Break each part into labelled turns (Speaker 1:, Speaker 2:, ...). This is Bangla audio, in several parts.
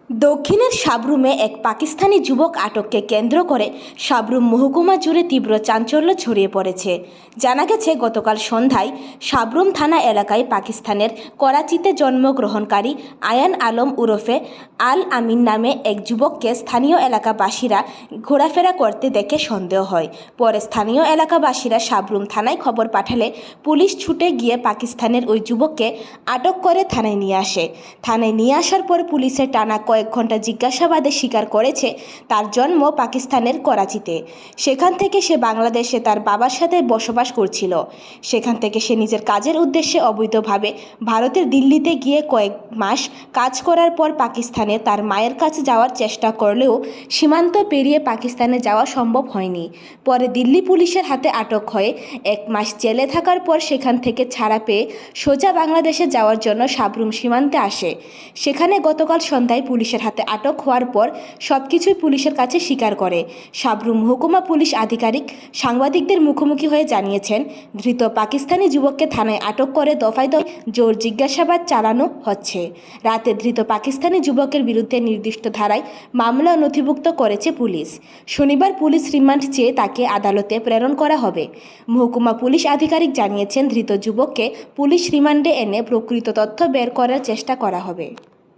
Speaker 1: দক্ষিণের সাব্রুমে এক পাকিস্তানি যুবক আটককে কেন্দ্র করে সাব্রুম মহকুমা জুড়ে তীব্র চাঞ্চল্য ছড়িয়ে পড়েছে। জানা গেছে, গতকাল সন্ধ্যায় সাব্রুম থানা এলাকায় পাকিস্তানের করাচিতে জন্মগ্রহণকারী আয়ান আলম ওরফে আল আমিন নামে এক যুবককে স্থানীয় এলাকাবাসীরা ঘোরাফেরা করতে দেখে সন্দেহ হয়। পরে স্থানীয় এলাকাবাসীরা সাব্রুম থানায় খবর পাঠালে পুলিশ ছুটে গিয়ে পাকিস্তানের ওই যুবককে আটক করে থানায় নিয়ে আসে। থানায় নিয়ে আসার পর পুলিশের টানা কয়েক ঘন্টা জিজ্ঞাসাবাদে স্বীকার করেছে তার জন্ম পাকিস্তানের করাচিতে। সেখান থেকে সে বাংলাদেশে তার বাবার সাথে বসবাস করছিল। সেখান থেকে সে নিজের কাজের উদ্দেশ্যে অবৈধভাবে ভারতের দিল্লিতে গিয়ে কয়েক মাস কাজ করার পর পাকিস্তানে তার মায়ের কাছে যাওয়ার চেষ্টা করলেও সীমান্ত পেরিয়ে পাকিস্তানে যাওয়া সম্ভব হয়নি। পরে দিল্লি পুলিশের হাতে আটক হয়ে 1 মাস জেলে থাকার পর সেখান থেকে ছাড়া পেয়ে সোজা বাংলাদেশে যাওয়ার জন্য সাব্রুম সীমান্তে আসে। সেখানে গতকাল সন্ধ্যায় পুলিশের হাতে আটক হওয়ার পর সবকিছুই পুলিশের কাছে স্বীকার করে। সাব্রুম মহকুমা পুলিশ আধিকারিক সাংবাদিকদের মুখোমুখি হয়ে জানিয়েছেন, ধৃত পাকিস্তানি যুবককে থানায় আটক করে দফায় দফায় জোর জিজ্ঞাসাবাদ চালানো হচ্ছে। রাতে ধৃত পাকিস্তানি যুবকের বিরুদ্ধে নির্দিষ্ট ধারায় মামলা নথিভুক্ত করেছে পুলিশ। শনিবার পুলিশ রিমান্ড চেয়ে তাকে আদালতে প্রেরণ করা হবে। মহকুমা পুলিশ আধিকারিক জানিয়েছেন, ধৃত যুবককে পুলিশ রিমান্ডে এনে প্রকৃত তথ্য বের করার চেষ্টা করা হবে।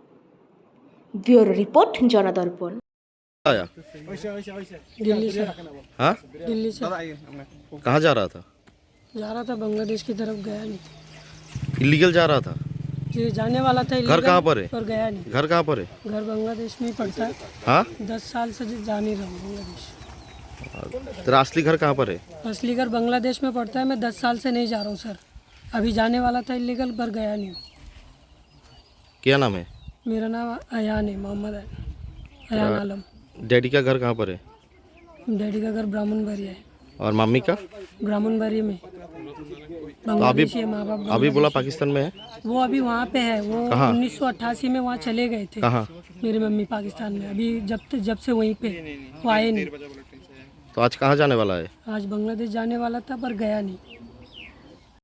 Speaker 1: Bureau report Jandarpan.
Speaker 2: आया
Speaker 3: दिल्ली से।
Speaker 2: हाँ
Speaker 3: दिल्ली से
Speaker 2: कहाँ
Speaker 3: जा रहा था बांग्लादेश की तरफ, गया नहीं।
Speaker 2: इलीगल जा रहा था।
Speaker 3: जी जाने वाला था
Speaker 2: घर
Speaker 3: illegal,
Speaker 2: कहाँ पर है?
Speaker 3: पर गया नहीं।
Speaker 2: घर कहाँ पर है?
Speaker 3: घर बांग्लादेश में ही पड़ता है।
Speaker 2: हाँ
Speaker 3: 10 साल से जा नहीं रहा हूँ बांग्लादेश।
Speaker 2: तेरा असली घर कहाँ पर है?
Speaker 3: असली घर बांग्लादेश में पड़ता है। मैं 10 साल से नहीं जा रहा हूँ सर। अभी जाने वाला था इलीगल, पर गया नहीं हूँ।
Speaker 2: क्या नाम है?
Speaker 3: मेरा नाम अयान है, मोहम्मद अयान आलम।
Speaker 2: डैडी का घर कहाँ पर है?
Speaker 3: डैडी का घर ब्राह्मणबाड़ी है।
Speaker 2: और मम्मी का?
Speaker 3: ब्राह्मणबाड़ी में।
Speaker 2: तो
Speaker 3: बांग्लादेशी है, माँ बाप
Speaker 2: अभी बोला पाकिस्तान में है।
Speaker 3: वो अभी वहाँ पे है। वो
Speaker 2: कहाँ?
Speaker 3: 1988 में वहाँ चले गए थे।
Speaker 2: कहाँ?
Speaker 3: मेरी मम्मी पाकिस्तान में। अभी जब से वहीं पे वो आए नहीं।
Speaker 2: तो आज कहाँ जाने वाला है?
Speaker 3: आज बांग्लादेश जाने वाला था, पर गया नहीं।